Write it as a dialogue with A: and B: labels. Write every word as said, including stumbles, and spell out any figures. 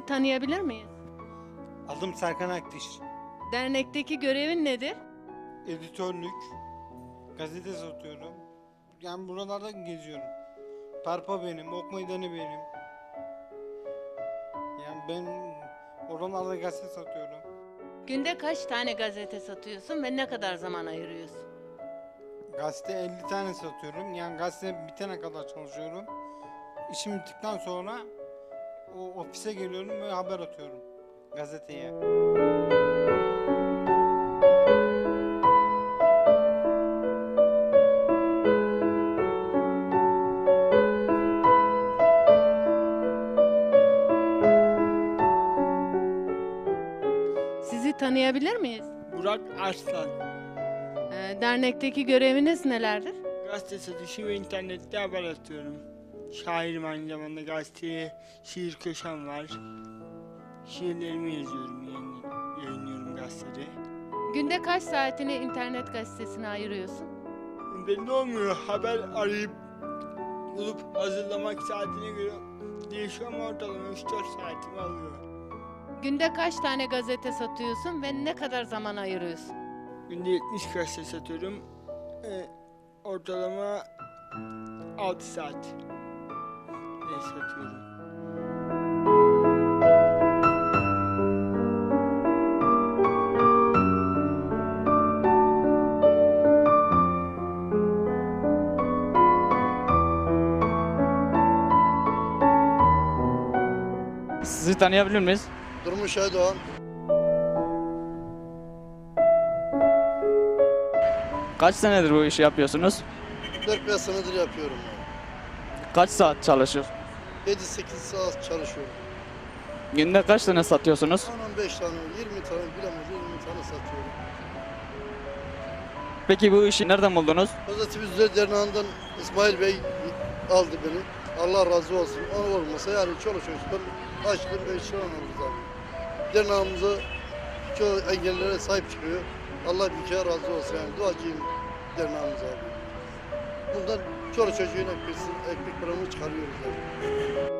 A: tanıyabilir miyiz?
B: Adım Serkan Akdiş.
A: Dernekteki görevin nedir?
B: Editörlük, gazete satıyorum. Yani buralarda geziyorum. Parpa benim, ok meydanı benim. Yani ben oralarda gazete satıyorum.
A: Günde kaç tane gazete satıyorsun ve ne kadar zaman ayırıyorsun?
B: Gazete elli tane satıyorum. Yani gazete bitene kadar çalışıyorum. İşim bittikten sonra o ofise geliyorum ve haber atıyorum gazeteye.
A: Sizi tanıyabilir miyiz?
C: Burak Arslan.
A: Ee, dernekteki göreviniz nelerdir?
C: Gazete satışı ve internette haber atıyorum. Şairim aynı zamanda, gazeteye şiir köşem var. Şiirlerimi yazıyorum, yayın- yayınlıyorum gazetede.
A: Günde kaç saatini internet gazetesine ayırıyorsun?
C: Belli olmuyor, haber arayıp bulup hazırlamak saatine göre değişiyor ama ortalama üç dört saatimi alıyor.
A: Günde kaç tane gazete satıyorsun ve ne kadar zaman ayırıyorsun?
C: Günde yetmiş gazete satıyorum. Ee, ortalama altı saat ne satıyorum.
D: Sizi tanıyabilir miyiz?
E: Durmuş Aydoğan.
D: Kaç senedir bu işi yapıyorsunuz?
E: dört beş senedir yapıyorum.
D: Kaç saat çalışıyorsunuz?
E: yedi sekiz saat çalışıyorum.
D: Günde kaç tane satıyorsunuz?
E: on on beş tane, yirmi tane bilemez yirmi tane satıyorum.
D: Peki bu işi nereden buldunuz?
E: Pozitivizler Derneği'nden İsmail Bey aldı beni. Allah razı olsun. O olmasa yani çoluk çocuklar açlığın ve işler oluruz abi. Derneğimize çoğu engellilere sahip çıkıyor. Allah bir kere razı olsun yani. Duacıyım derneğimize abi. Bundan çoluk çocuğun ekmek, ekmek paramı çıkarıyoruz abi.